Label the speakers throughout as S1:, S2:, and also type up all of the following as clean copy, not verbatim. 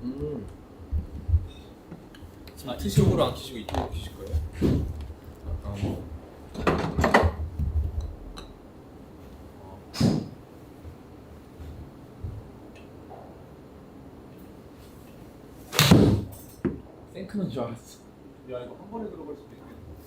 S1: 이쪽으로 안 키시고 이쪽으로 키실 거예요?
S2: 생크는 줄 알았어.
S1: 야 이거 한 번에 들어갈 수도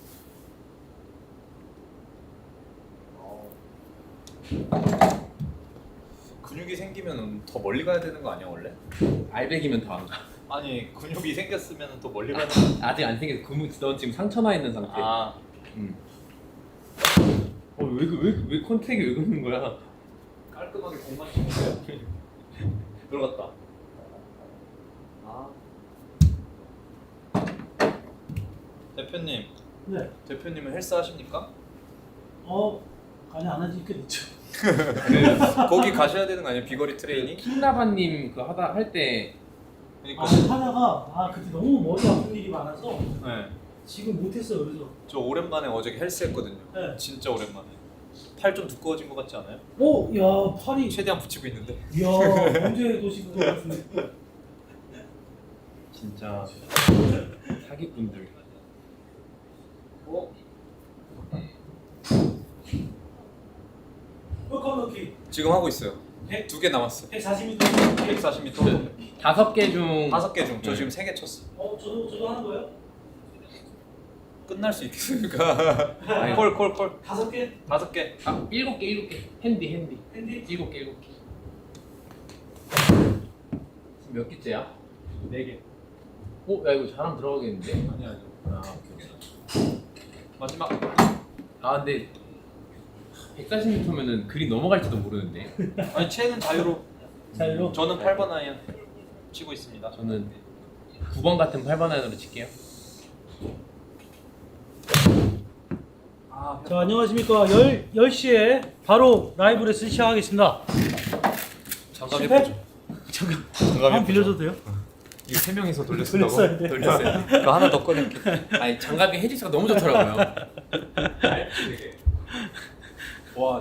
S1: 있겠네. 근육이 생기면 더 멀리 가야 되는 거 아니야 원래?
S2: 알백이면 더 안 가.
S1: 아니 근육이 생겼으면 더 멀리 가는
S2: 아직 안 생겨서 넌 지금 상처 나 있는 상태.
S1: 아
S2: 왜 컨택이 왜 그러는 거야?
S1: 깔끔하게 공만 치는 거야.
S2: 들어갔다.
S1: 대표님,
S3: 네.
S1: 대표님은 헬스 하십니까?
S3: 아니 안 하지 꽤 됐죠.
S1: 거기 가셔야 되는 거 아니에요? 비거리 트레이닝?
S2: 킹라바님 그 할 때
S1: 그러니까
S3: 하다가 그때 너무 머리 아픈 일이 많아서
S1: 네.
S3: 지금 못했어요. 그래서
S1: 저 오랜만에 어저께 헬스 했거든요.
S3: 네.
S1: 진짜 오랜만에. 팔 좀 두꺼워진 것 같지 않아요?
S3: 야 팔이
S1: 최대한 붙이고 있는데.
S3: 이야 언제 도시는 것 같은데.
S2: 진짜 사기꾼들.
S3: 홀컵넣기
S1: 지금 하고 있어요.
S3: 100?
S1: 2개 남았어.
S3: 140m.
S1: 140m.
S2: 5개 중
S1: 5개 중. 저
S2: 네.
S1: 지금 3개 쳤어.
S3: 저도 하는 거예요?
S1: 끝날 수 있겠습니까?
S2: 아니,
S1: 콜.
S3: 5개?
S1: 5개.
S2: 7개. 핸디.
S3: 핸디?
S2: 7개. 지금 몇 개째야?
S1: 4개.
S2: 야 이거 잘하면 들어가겠는데?
S1: 아니야.
S2: 오케이.
S1: 마지막.
S2: 근데 140m면은 그린 넘어갈지도 모르는데.
S1: 아니 채는 자유로.
S3: 자유로?
S1: 저는 8번 아이언 치고 있습니다.
S2: 저는 9번 같은 8번 아이언으로 칠게요.
S3: 자 안녕하십니까 10시에 바로 라이브 레슨 시작하겠습니다.
S1: 장갑
S3: 실패?
S1: 예쁘죠?
S3: 한번 빌려줘도 돼요?
S1: 이거 3명이서
S3: 돌렸어야 돼.
S2: 돌렸어요.
S1: 그거 하나 더 꺼낼게.
S2: 아니 장갑이 헤지스가 너무 좋더라고요. 와.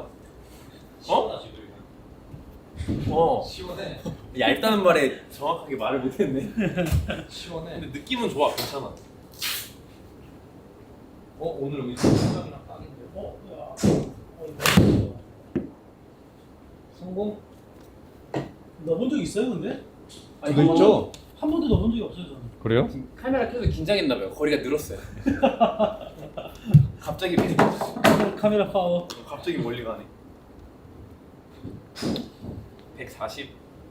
S1: 시원해.
S2: 얇다는 말에 정확하게 말을 못했네.
S1: 시원해.
S2: 근데 느낌은 좋아, 괜찮아. 오늘 우리 생각이랑 딱인데.
S1: 성공?
S3: 넣어본 적 있어요 근데?
S1: 저도 있죠.
S3: 한 번도 넣어본 적이 없어요 저는.
S1: 그래요?
S2: 카메라 켜서 긴장했나봐요. 거리가 늘었어요. 갑자기
S3: 카메라 파워.
S1: 갑자기 멀리 가네.
S2: 140.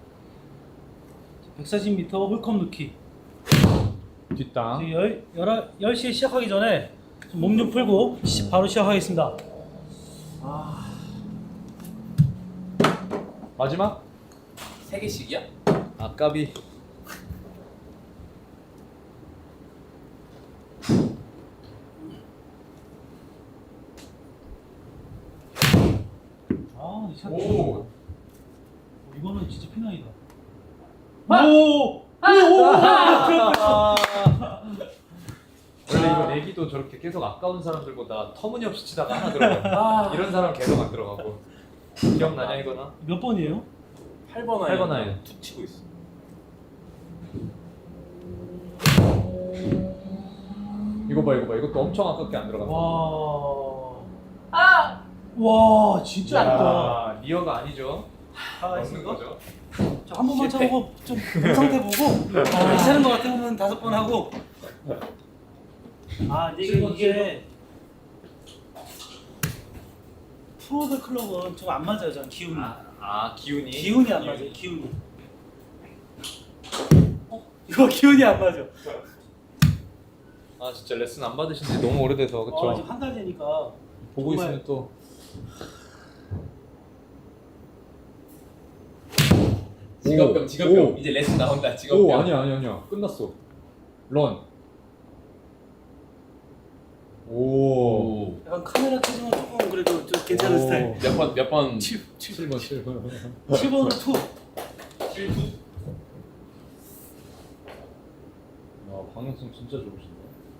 S3: 140m 홀컵 넣기.
S1: 뒷땅.
S3: 10시에 시작하기 전에 몸 좀 풀고 바로 시작하겠습니다.
S1: 마지막?
S2: 3개씩이야?
S1: 아까비.
S3: 이 샷.
S2: 오.
S3: 이거는 진짜 피나이다.
S4: 원래 이거 내기도 저렇게 계속 아까운 사람들보다 터무니없이 치다가 하나 들어가. 이런 사람 계속 안 들어가고. 기억나냐 이거나?
S3: 몇 번이에요?
S2: 8번
S4: 8번 아이언.
S2: 툭 치고 있어.
S4: 이거 봐. 이것도 엄청 아깝게 안 들어간다.
S3: 와 진짜 아깝다.
S4: 야, 리어가 아니죠?
S3: 아,
S4: 먹는 거죠.
S3: 한 번만
S2: 실패.
S3: 쳐보고 좀 상태 보고 괜찮은 것 같으면 5번 하고. 이게 프로들 클럽은 좀 안 맞아요. 저는 기운이.
S2: 기운이.
S3: 기운이 안 맞아요. 기운이. 이거 기운이 안 맞아.
S4: 진짜 레슨 안 받으신 지 너무 오래돼서 그쵸?
S3: 지금 한 달 되니까
S4: 보고
S3: 정말-
S4: 있으면 또
S2: 직업병. 이제 레슨 나온다. 직업병.
S4: 아니야 끝났어. 런. 오.
S3: 약간 카메라 켜지면 조금 그래도 좀 괜찮은 스타일.
S2: 몇 번?
S4: 7번.
S3: 7번 투.
S4: 방향성 진짜 좋으신데.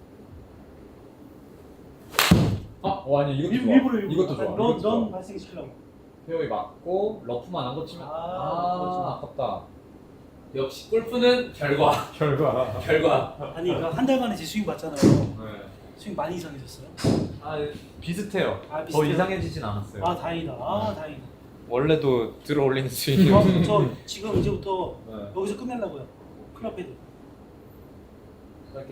S4: 아니 이것도 좋아.
S3: 일부러
S4: 이것도 좋아.
S3: 런
S4: 이것도 좋아.
S3: 발생시키려고.
S4: 페어웨이 맞고 러프만 안 거치면
S3: 그렇지.
S4: 아깝다.
S2: 역시 골프는 결과.
S4: 결과.
S2: 결과.
S3: 아니 그러니까 한 달 만에 제 스윙 봤잖아요.
S4: 네.
S3: 스윙 많이 이상해졌어요?
S4: 아 비슷해요.
S3: 아,
S4: 더
S3: 비슷해요?
S4: 이상해지진 않았어요.
S3: 아 다행이다. 아 다행이다.
S4: 원래도 들어 올리는 스윙이.
S3: 저 지금 이제부터
S4: 네.
S3: 여기서 끝내려고요. 클럽 헤드.
S4: 이렇게.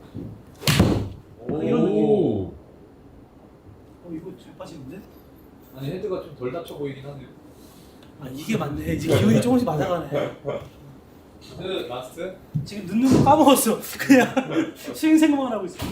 S3: 이런 느낌.
S4: 오.
S3: 이거 잘 빠지는데?
S4: 아니 헤드가 좀 덜 다쳐 보이긴 하네요.
S3: 아 이게 맞네. 이제 기운이 조금씩 맞아가네.
S2: 그 마스트.
S3: 지금 넣는 거 까먹었어. 그냥 스윙 생각만 하고 있어.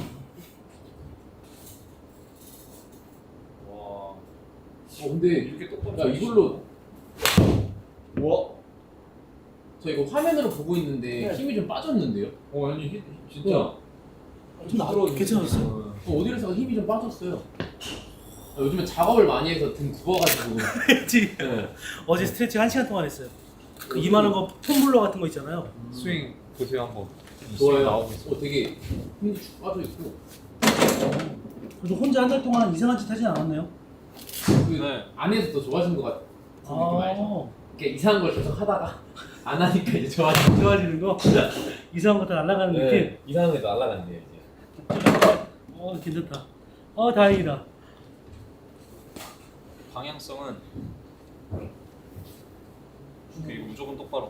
S2: 와.
S5: 근데
S2: 이렇게 똑바로.
S5: 야 이걸로
S2: 와.
S5: 저 이거 화면으로 보고 있는데
S3: 네.
S5: 힘이 좀 빠졌는데요?
S4: 아니 진짜.
S3: 좀 괜찮았어.
S5: 어디에서 힘이 좀 빠졌어요. 요즘에 작업을 많이 해서 등 굽어가지고.
S3: 그치?
S5: 네.
S3: 어제 스트레칭 1시간 동안 했어요. 그 이만한 거 폼블러 같은 거 있잖아요.
S4: 스윙 보세요 한번.
S5: 좋아요.
S4: 나오고 있어.
S5: 되게 힘이 쭉 빠져 있고.
S3: 그래도 혼자 한 달 동안 이상한 짓 하진 않았네요.
S5: 그
S2: 네.
S5: 안에서 더 좋아진 것 같은 느낌 알죠?
S3: 아,
S5: 이렇게 이상한 걸 계속 하다가 안 하니까 이제
S3: 좋아지는 거. 이상한 거 다 날아가는 느낌.
S2: 이상한 게 날라갔네요 이제.
S3: 괜찮다. 다행이다.
S1: 방향성은 그리고 무조건 똑바로.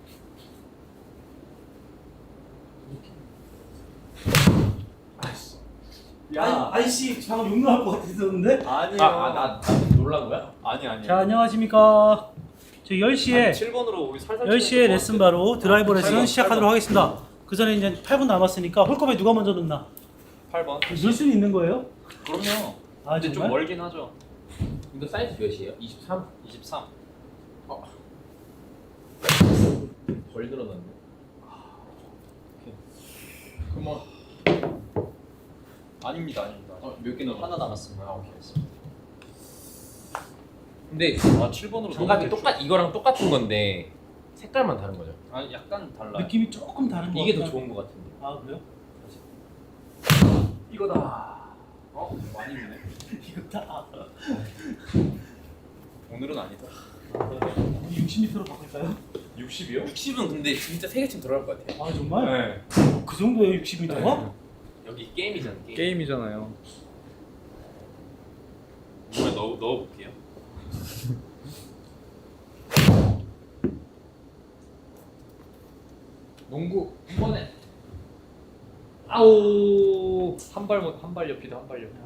S3: 아이씨 방금 욕 나올 것 같았었는데.
S1: 아니요.
S2: 나 놀란 거야?
S1: 아니.
S3: 자 안녕하십니까. 저희 10시에
S1: 7번으로 우리 살살
S3: 10시에 레슨 바로 드라이버 레슨
S1: 팔번,
S3: 시작하도록 하겠습니다. 그 전에 이제 8분 남았으니까 홀컵에 누가 먼저 넣나?
S1: 8번.
S3: 넣을 수는 있는 거예요?
S1: 그럼요.
S3: 아
S1: 근데 좀
S3: 정말?
S1: 멀긴 하죠.
S5: 이거 사이즈 몇이에요?
S2: 23.
S1: 23.
S5: 덜 늘어났네.
S1: 그러면 아닙니다.
S5: 몇 개 남았어?
S1: 하나 남았습니다. 오케이. 알겠습니다.
S2: 근데
S1: 7번으로
S2: 장갑이 이거랑 똑같은 건데 색깔만 다른 거죠.
S1: 약간 달라.
S3: 느낌이 조금 다른 거
S2: 이게 더
S3: 같긴
S2: 좋은 거 같은데.
S3: 아 그래요?
S1: 이거다. 많이 있네.
S3: 이거다.
S1: 오늘은 아니다.
S3: 60m로 바꿀까요?
S1: 60이요?
S2: 60은 근데 진짜 세 개쯤 들어갈 것 같아.
S3: 아 정말?
S1: 네.
S3: 그 정도예요 60m가?
S2: 여기 게임이잖아. 게임.
S4: 게임이잖아요.
S1: 몸에 넣어볼게요.
S4: 농구 한 번에. 아오 한발 옆이다 한 발 옆.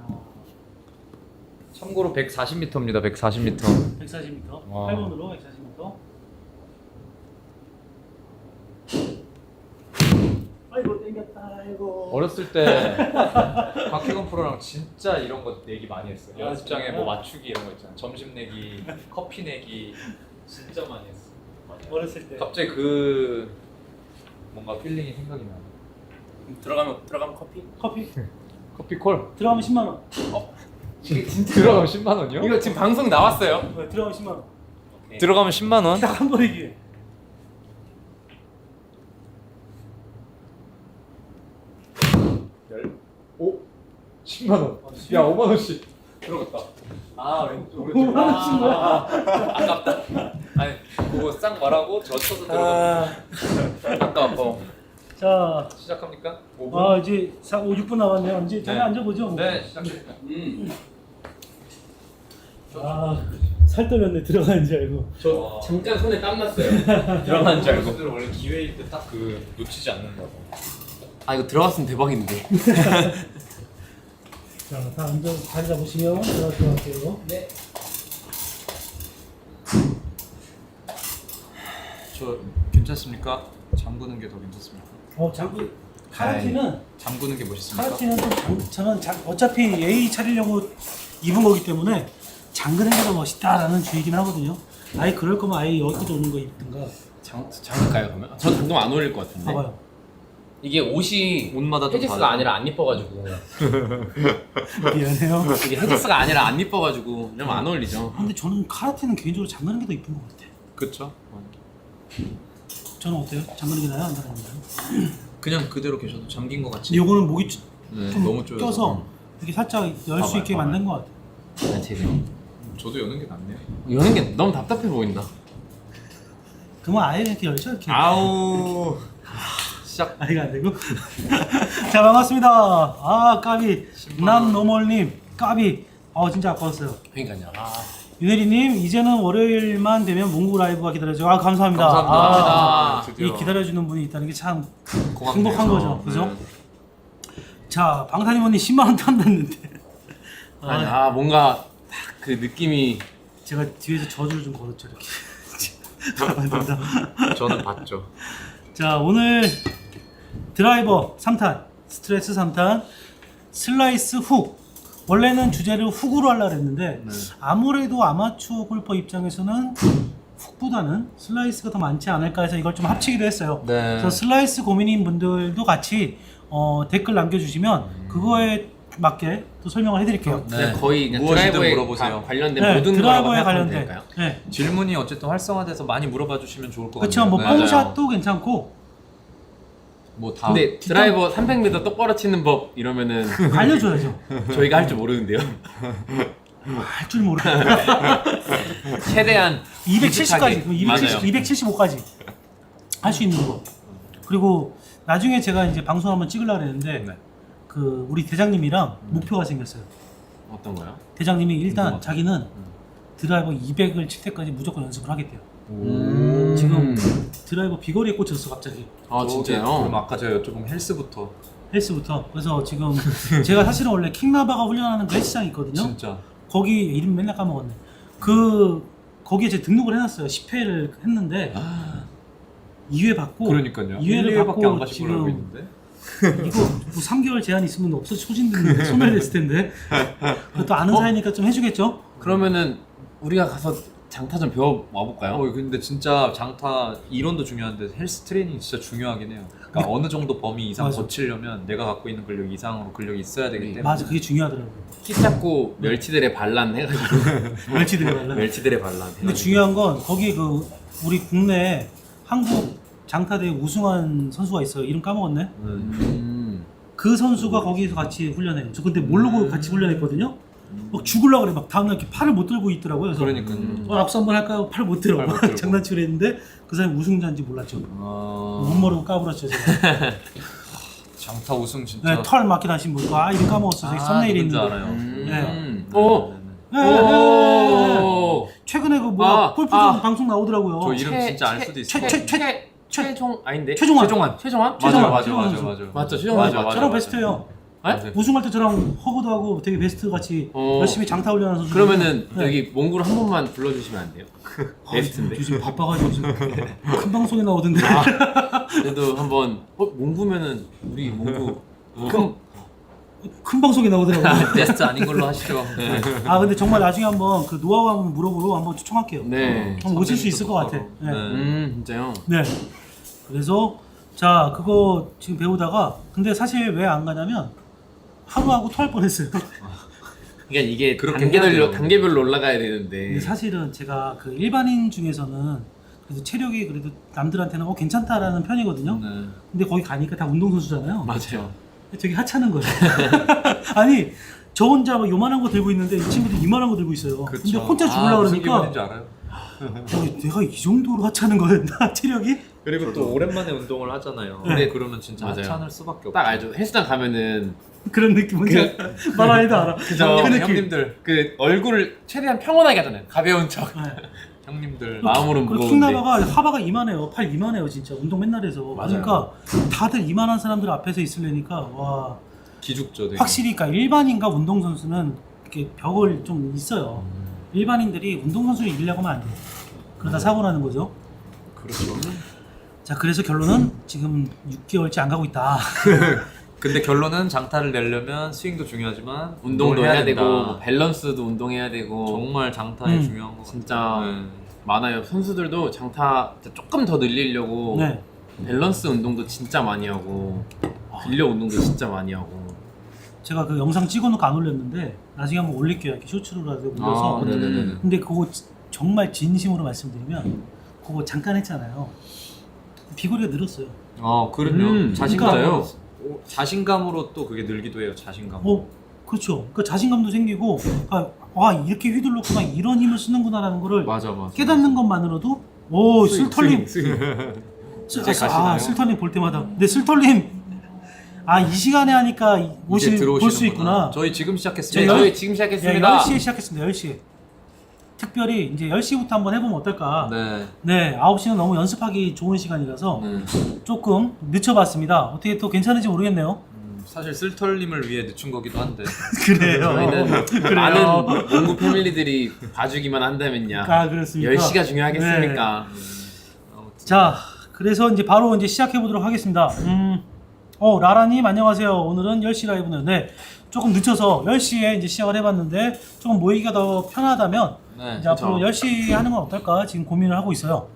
S4: 참고로 140m입니다. 140m.
S3: 140m.
S4: 와.
S3: 8번으로 140m. 아이고 땡겼다. 아이고.
S4: 어렸을 때 박혜건 프로랑 진짜 이런 거 내기 많이 했어요.
S3: 아,
S4: 연습장에
S3: 정말요?
S4: 뭐 맞추기 이런 거 있잖아. 점심 내기, 커피 내기 진짜 많이 했어.
S3: 어렸을 때.
S4: 갑자기 그 뭔가 필링이 생각이 나.
S2: 들어가면 커피?
S3: 커피
S4: 커피 콜.
S3: 들어가면 10만 원.
S2: 이게 진짜
S4: 들어가면 10만 원이요?
S2: 이거 지금 방송 나왔어요.
S3: 네, 들어가면 10만 원.
S2: 오케이.
S4: 들어가면 10만 원?
S3: 딱 한 번의 기회.
S4: 오 10만 원. 야 5만 원씩.
S2: 들어갔다.
S1: 왼쪽.
S3: 5만 원 친 거야?
S2: 아깝다. 아니 그거 싹 말하고 젖혀서 들어갔다. 아까워.
S3: 자,
S4: 시작합니까? 5분.
S3: 이제 6분 남았네요. 이제 잠깐 앉아보죠. 뭐.
S4: 네 시작합니다.
S3: 살 떨렸네. 들어가는 줄 알고.
S5: 저 잠깐 손에 땀 났어요.
S2: 들어가는 줄 알고.
S1: 선수들은 원래 기회일 때 딱 그 놓치지 않는다고.
S5: 아 이거 들어갔으면 대박인데.
S3: 자, 다 앉아 자리 잡으시면 들어갈게요.
S5: 네.
S4: 저 괜찮습니까? 잠그는 게 더 괜찮습니까?
S3: 자꾸 카라테는
S4: 잠그는 게 멋있습니까?
S3: 카라테는 저는 어차피 예의 차리려고 입은 거기 때문에 잠그는 게 더 멋있다라는 주의긴 하거든요. 아예 그럴 거면 아예 여기도 오는 거 입든가.
S2: 잠글까요 그러면? 전 당동 안 어울릴 것 같은데.
S3: 봐봐요.
S2: 이게 옷이
S4: 옷마다 좀
S2: 헤지스가
S4: 다르죠.
S2: 아니라 안 이뻐가지고.
S3: 미안해요.
S2: 이게 헤지스가 아니라 안 이뻐가지고 좀 안 어울리죠.
S3: 근데 저는 카라테는 개인적으로 잠그는 게 더 이쁜 것 같아.
S4: 그쵸?
S3: 저는 어때요? 잠그는 게 나아요? 안 잠그는 게 나아요?
S4: 그냥 그대로 계셔도 잠긴 것 같지.
S3: 근데 요거는 목이 좀
S4: 너무 쪼여서.
S3: 껴서 이렇게 살짝 열 수 있게 만든 것 같아.
S2: 난 제대로.
S4: 저도 여는 게 낫네요.
S2: 여는 게 너무 답답해 보인다.
S3: 그러면 아예 이렇게 열죠 이렇게.
S4: 아우 시작.
S3: 아 이거 안 되고. 자 반갑습니다. 아 까비 남노멀님 까비. 진짜 아까웠어요.
S2: 그러니까요.
S3: 윤혜리님 이제는 월요일만 되면 몽구 라이브가 기다려져요. 아 감사합니다.
S4: 감사합니다.
S3: 이 기다려주는 분이 있다는 게 참
S4: 고맙네요.
S3: 행복한 거죠, 그죠? 자 방탄님 언니 10만 원 탐났는데.
S2: 아니, 뭔가 딱 그 느낌이
S3: 제가 뒤에서 저주를 좀 걸었죠 이렇게. 감사합니다.
S4: 저는 봤죠.
S3: 자 오늘 드라이버 3탄 스트레스 3탄 슬라이스 훅. 원래는 주제를 훅으로 하려고 했는데 아무래도 아마추어 골퍼 입장에서는 훅보다는 슬라이스가 더 많지 않을까 해서 이걸 좀 합치기도 했어요.
S4: 네.
S3: 그래서 슬라이스 고민인 분들도 같이 댓글 남겨주시면 그거에 맞게 또 설명을 해드릴게요.
S4: 네.
S2: 거의 그냥
S4: 무엇이든
S2: 드라이버에
S4: 물어보세요.
S2: 관련된
S3: 네,
S2: 모든
S3: 드라이버에
S2: 거라고 생각하면
S3: 관련된.
S2: 될까요?
S3: 네.
S4: 질문이 어쨌든 활성화돼서 많이 물어봐 주시면 좋을 것
S3: 그렇죠.
S4: 같아요.
S3: 뭐
S4: 네.
S3: 뽕샷도 괜찮고
S4: 뭐 다.
S2: 근데 드라이버 300m 똑바로 치는 법 이러면은
S3: 알려줘야죠.
S2: 저희가 할 줄 모르는데요.
S3: 할 줄 모르겠어요.
S2: 최대한
S3: 270까지,
S2: 맞아요.
S3: 275까지 할 수 있는 거. 그리고 나중에 제가 이제 방송 한번 찍으려고 했는데
S4: 네.
S3: 그 우리 대장님이랑 목표가 생겼어요.
S2: 어떤 거요?
S3: 대장님이 일단
S4: 궁금하다.
S3: 자기는 드라이버 200을 칠 때까지 무조건 연습을 하겠대요.
S4: 오.
S3: 지금 드라이버 비거리에 꽂혔어 갑자기.
S2: 아
S4: 그럼
S2: 진짜요?
S4: 아까 제가 여쭤본 헬스부터
S3: 헬스부터. 그래서 지금 제가 사실은 원래 킹나바가 훈련하는 그 헬스장이 있거든요.
S4: 진짜.
S3: 거기 이름 맨날 까먹었네. 거기에 제 등록을 해놨어요. 10회를 했는데 2회 받고
S4: 그러니까요.
S3: 2회를
S4: 1회밖에
S3: 받고
S4: 안 가신 걸로 알고
S3: 지금
S4: 있는데.
S3: 이거 뭐 3개월 제한 있으면 없어져 소진됐는데 소멸됐을 텐데. 또 아는 사이니까 좀 해주겠죠?
S2: 그러면은 우리가 가서 장타 좀 배워 와볼까요?
S4: 근데 진짜 장타 이론도 중요한데 헬스 트레이닝 진짜 중요하긴 해요. 그러니까 어느 정도 범위 이상
S3: 맞아.
S4: 거치려면 내가 갖고 있는 근력 이상으로 근력이 있어야 되기 때문에.
S3: 맞아, 그게 중요하더라고요.
S2: 키 잡고 멸치들의 반란 해가지고
S3: 멸치들이 달라.
S2: 멸치들의 반란.
S3: 근데 중요한 건 거기 그 우리 국내 한국 장타대회 우승한 선수가 있어요. 이름 까먹었네. 그 선수가 거기서 같이 훈련해요. 저 근데 모르고 같이 훈련했거든요. 막 죽으려고 그래. 막 다음날 이렇게 팔을 못 들고 있더라고요. 그래서
S4: 그러니까요.
S3: 악수 한번 할까요? 팔을 못 들어.
S4: 팔못 들고.
S3: 장난치려 했는데 그 사람이 우승자인지 몰랐죠. 못 모르고 까불었죠. 제가.
S4: 장타 우승 진짜.
S3: 네, 털 맞게 다신 분. 이름 까먹었어. 저기 썸네일에
S4: 누군지
S3: 있는데.
S4: 알아요.
S2: 오.
S3: 네, 네, 네, 네.
S2: 오.
S3: 최근에 그 뭐야 골프전 방송 나오더라고요.
S4: 저 이름 진짜 알 수도 있어.
S2: 최종 아닌데?
S3: 최종환.
S2: 최종환?
S3: 최종환.
S4: 맞아.
S2: 맞죠, 최종환 맞죠.
S3: 저랑 베스트예요.
S2: 네?
S3: 우승할 때 저랑 허브도 하고 되게 베스트 같이 열심히 장타 훈련하는 선수.
S2: 그러면은
S3: 네.
S2: 여기 몽구를 한 번만 불러주시면 안 돼요? 베스트인데.
S3: 요즘 바빠가지고 지금 큰 방송에 나오던데.
S2: 그래도 한번 몽구면은 우리 몽구
S3: 큰 방송에 나오더라고요.
S4: 베스트 아닌 걸로 하시죠.
S2: 네.
S3: 근데 정말 나중에 한번 그 노하우 한번 물어보러 한번 초청할게요.
S2: 네.
S3: 한번 오실 수 있을 것 같아. 네.
S2: 진짜요?
S3: 네. 그래서 자 그거 지금 배우다가 근데 사실 왜 안 가냐면 하루하고 토할 뻔했어요.
S2: 그러니까 이게
S4: 그렇게 해야 돼요.
S2: 단계별로 올라가야 되는데.
S3: 근데 사실은 제가 그 일반인 중에서는 그래도 체력이 그래도 남들한테는 괜찮다라는 편이거든요.
S4: 네.
S3: 근데 거기 가니까 다 운동선수잖아요.
S2: 맞아요.
S3: 되게 하찮은 거예요. 아니 저 혼자 막 요만한 거 들고 있는데 이 친구들 이만한 거 들고 있어요.
S4: 그렇죠.
S3: 근데 혼자 죽으려고
S4: 무슨
S3: 그러니까
S4: 기분인지 알아요?
S3: 내가 이 정도로 하찮은 거였나 체력이?
S4: 그리고 또 오랜만에 운동을 하잖아요.
S2: 네.
S4: 근데 그러면 진짜
S2: 맞아요.
S4: 하찮을 수밖에 없어.
S2: 딱 알죠. 헬스장 가면은
S3: 그런 느낌 뭔지 말 안 해도 알아.
S2: 그죠.
S3: 그 느낌.
S4: 형님들,
S2: 그 얼굴을 최대한 평온하게 하잖아요. 가벼운 척.
S3: 네.
S4: 형님들.
S2: 마음으로
S3: 그리고
S2: 무거운데.
S3: 킹나바가 하바가 이만해요. 팔 이만해요 진짜. 운동 맨날 해서.
S2: 맞아요.
S3: 그러니까 다들 이만한 사람들 앞에서 있으려니까 와
S4: 기죽죠. 되게.
S3: 확실히 그러니까 일반인과 운동선수는 이렇게 벽을 좀 있어요. 일반인들이 운동선수를 이기려고 하면 안 돼요. 그러다 사고 나는 거죠.
S4: 그렇죠.
S3: 자 그래서 결론은 지금 6개월째 안 가고 있다.
S4: 근데 결론은 장타를 내려면 스윙도 중요하지만
S2: 운동도 해야 되고
S4: 된다.
S2: 뭐 밸런스도 운동해야 되고
S4: 정말 장타에
S3: 음.
S4: 중요한 거
S2: 진짜
S4: 네.
S2: 많아요. 선수들도 장타 조금 더 늘리려고
S3: 네.
S2: 밸런스 운동도 진짜 많이 하고 근력 운동도 진짜 많이 하고.
S3: 제가 그 영상 찍어놓고 안 올렸는데 나중에 한번 올릴게요. 이렇게 쇼츠로라도 올려서.
S4: 네네네.
S3: 근데 그거 정말 진심으로 말씀드리면 그거 잠깐 했잖아요. 비거리가 늘었어요.
S4: 그럼요. 자신감으로
S3: 그러니까
S4: 자신감으로 또 그게 늘기도 해요. 자신감.
S3: 그렇죠. 그러니까 자신감도 생기고 이렇게 휘둘렀구나 이런 힘을 쓰는구나라는 거를
S4: 맞아.
S3: 깨닫는 것만으로도 오 슬털님.
S2: 이제 가시나요?
S3: 슬털님 볼 때마다. 근데 슬털님 이 시간에 하니까 볼 수 있구나.
S4: 저희 지금 시작했습니다.
S2: 네, 저희 지금 시작했습니다.
S3: 10시에 시작했습니다. 10시에. 특별히 이제 10시부터 한번 해보면 어떨까.
S4: 네.
S3: 네, 9시는 너무 연습하기 좋은 시간이라서 조금 늦춰봤습니다. 어떻게 또 괜찮은지 모르겠네요.
S4: 사실 쓸털님을 위해 늦춘 거기도 한데.
S3: 그래요.
S2: 저희는 많은 농구 패밀리들이 봐주기만 한다면야.
S3: 그렇습니까?
S2: 10시가 중요하겠습니까?
S3: 자, 그래서 이제 바로 이제 시작해 보도록 하겠습니다. 라라님 안녕하세요. 오늘은 10시 라이브는 조금 늦춰서 10시에 이제 시작을 해봤는데 조금 모이기가 더 편하다면
S4: 네,
S3: 이제 앞으로 10시 하는 건 어떨까 지금 고민을 하고 있어요.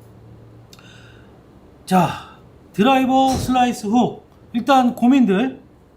S3: 자, 드라이버 슬라이스 훅 일단 고민들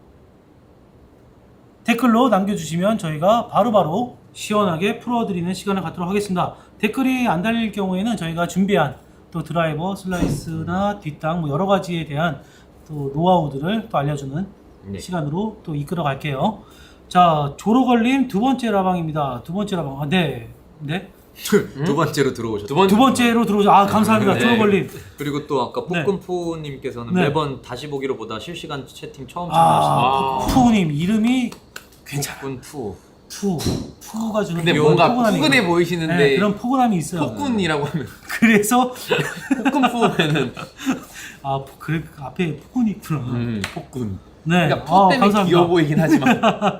S3: 댓글로 남겨주시면 저희가 바로바로 시원하게 풀어드리는 시간을 갖도록 하겠습니다. 댓글이 안 달릴 경우에는 저희가 준비한 또 드라이버 슬라이스나 뒷땅 뭐 여러 가지에 대한 또 노하우들을 또 알려주는 시간으로 또 이끌어 갈게요. 자, 조로걸님 두 번째 라방입니다. 두 번째 라방. 네.
S4: 두 번째로 들어오셨죠.
S3: 두 번째로 들어오죠. 감사합니다. 조로걸님.
S4: 그리고 또 아까 폭군푸님께서는
S3: 네.
S4: 매번 다시 보기로보다 실시간 채팅 처음 참여하시네요.
S3: 푸우님 이름이 괜찮아.
S4: 폭군푸.
S3: 푸가 주는
S2: 근데
S3: 그런
S2: 뭔가
S3: 포근함이
S2: 포근해
S3: 있어요.
S2: 보이시는데
S3: 네, 그런 포근함이 있어요.
S2: 폭군이라고 하면
S3: 그래서
S2: 폭군 푸면은
S3: 그래 앞에 폭군이 있구나.
S2: 폭군.
S3: 네.
S2: 그러니까 푸 때문에
S3: 감사합니다.
S2: 귀여워 보이긴 하지만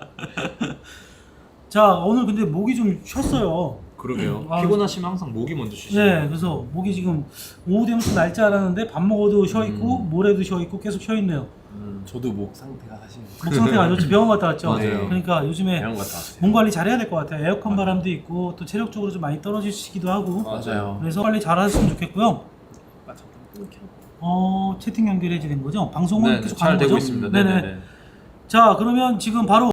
S3: 자, 오늘 근데 목이 좀 쉬었어요.
S4: 그러게요.
S3: 아,
S4: 피곤하시면 항상 목이 먼저 쉬시죠.
S3: 네, 그래서 목이 지금 오후 되면 좀 날 줄 알았는데 밥 먹어도 쉬어 있고 모레도 쉬어 있고 계속 쉬어 있네요.
S2: 저도 목 상태가 사실
S3: 목 상태가 안 좋지. 병원 갔다 왔죠.
S2: 맞아요.
S3: 그러니까 요즘에
S2: 배운 것 같아요.
S3: 몸 관리 잘해야 될 것 같아요. 에어컨 바람도 있고 또 체력적으로 좀 많이 떨어지시기도 하고.
S2: 맞아요.
S3: 그래서 빨리 잘하셨으면 좋겠고요. 채팅 연결해 주는 거죠? 방송은
S4: 네,
S3: 계속
S4: 잘
S3: 가는
S4: 되고
S3: 거죠?
S4: 있습니다.
S3: 네네.
S4: 네네.
S3: 자, 그러면 지금 바로